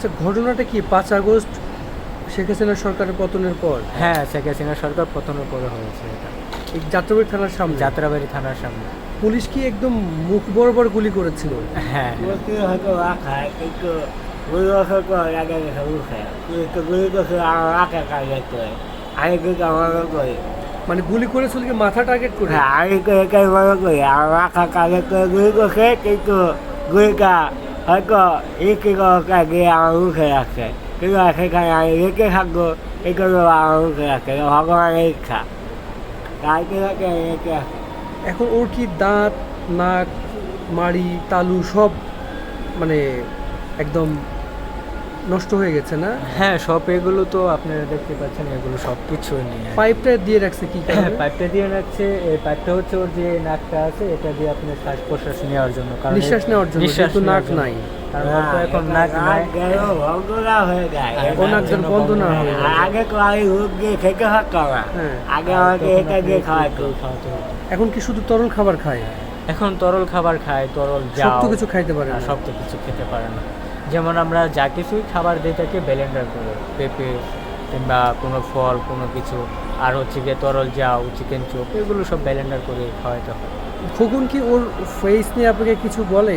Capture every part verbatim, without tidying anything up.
আচ্ছা, ঘটনাটা কি পাঁচ আগস্ট শেখ হাসিনা সরকারের পতনের পর? হ্যাঁ, শেখ হাসিনা সরকার পতনের পরে হয়েছে এটা। এই যাত্রাবাড়ি থানার সামনে যাত্রাবাড়ি থানার সামনে। পুলিশ কি একদম মুখ বরাবর গুলি করেছিল? হ্যাঁ, Porque eu tô lá, cara, que que eu vou só com a galera que eu quero. Que que eu tô lá lá que cara que é. Aí que que eu vou com ele. মানে গুলি করেছিল কি মাথা target করে? Aí que que eu vou com ele. A lá que cara que eu vou que que que gue ka. Aí que e que que ka que a lu que é que. Que que que que aí que ha go e que eu a lu que é que. Eu hago aí ka. Aí que que que এখন ওর কি দাঁত, নাক, মাড়ি, তালু সব মানে একদম নষ্ট হয়ে গেছে না? হ্যাঁ, সব এগুলো তো আপনারা দেখতে পাচ্ছেন, এগুলো সব কিছুই নেই। পাইপটা দিয়ে রাখছে কি কারণে? পাইপটা দিয়ে রাখছে, এই পাইপটা হচ্ছে ওর যে নাকটা আছে, এটা দিয়ে আপনার শ্বাস প্রশ্বাস নেওয়ার জন্য, কারণ নিঃশ্বাস নেওয়ার জন্য, নিঃশ্বাস যেহেতু নাক নেওয়ার জন্য। নাই। কারণ ওর তো এখন নাক নাই। গেল বন্ধ না হয়ে যায়। ও নাক যেন বন্ধ না হয়ে যায়। আগে তো আমি হুক দিয়ে খেতে থাকতাম না। হ্যাঁ। আগে আমাকে তখন এটা আপনি দিয়ে একটু খাওয়াতো। একটু খাওয়াতে হতো। এখন কি শুধু তরল খাবার খায়? এখন তরল খাবার খায়, তরল সব যাও তো কিছু খাইতে পারে না, না। সব তো কিছু খেতে পারে না। যেমন আমরা যা কিছুই খাবার দিয়ে থাকি ব্লেন্ডার করে, পেঁপে কিংবা কোনো ফল কোনো কিছু, আর হচ্ছে গিয়ে তরল যাও, চিকেন চপ, এগুলো সব ব্লেন্ডার করে খাওয়াতে হয়। খোকন কি ওর ফেস নিয়ে আপনাকে কিছু বলে?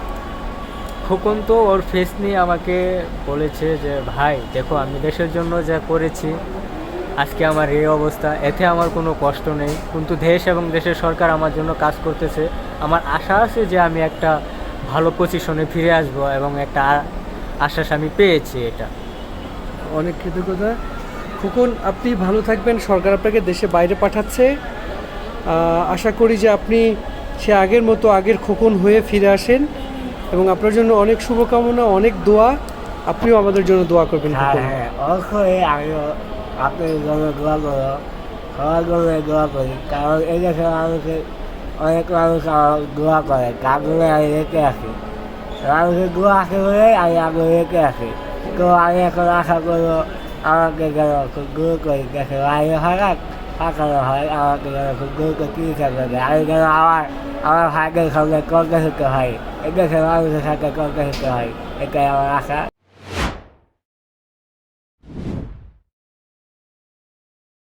খোকন তো ওর ফেস নিয়ে আমাকে বলেছে যে ভাই দেখো, আমি দেশের জন্য যা করেছি, আজকে আমার এই অবস্থা, এতে আমার কোনো কষ্ট নেই, কিন্তু দেশ এবং দেশের সরকার আমার জন্য কাজ করতেছে। আমার আশা আছে যে আমি একটা ভালো পজিশনে ফিরে আসব, এবং একটা আ- আশ্বাস আমি পেয়েছি এটা। অনেক কৃতজ্ঞতা খোকন, আপনি ভালো থাকবেন। সরকার আপনাকে দেশে বাইরে পাঠাচ্ছে। আহ, আশা করি যে আপনি সে আগের মতো আগের খোকন হয়ে ফিরে আসেন, এবং আপনার জন্য অনেক শুভকামনা, অনেক দোয়া। আপনিও আমাদের জন্য দোয়া করবেন হ্যাঁ খোকন। হ্যাঁ অবশ্যই আমিও আপনার জন্য দোয়া করো, সবার জন্য দোয়া করি, কারণ এই দেশের মানুষের অনেক মানুষ আমার দোয়া করে, তার জন্য আমি রেখে আসি। মানুষের দোয়া আছে বলে আমি আগে রেখে আসি। তো আমি এখন আশা করবো আমাকে যেন খুব দূর করি, দেশের বাইরে হঠাৎ পাঠানো হয়, আমাকে যেন খুব দূর করে চিকিৎসা করে দেয়। আমি যেন আমার আমার ভাইদের সঙ্গে কর্মসূত্র হয়, এই দেশের মানুষের সাথে কর্মসূত্র হয়, এটাই আমার আশা।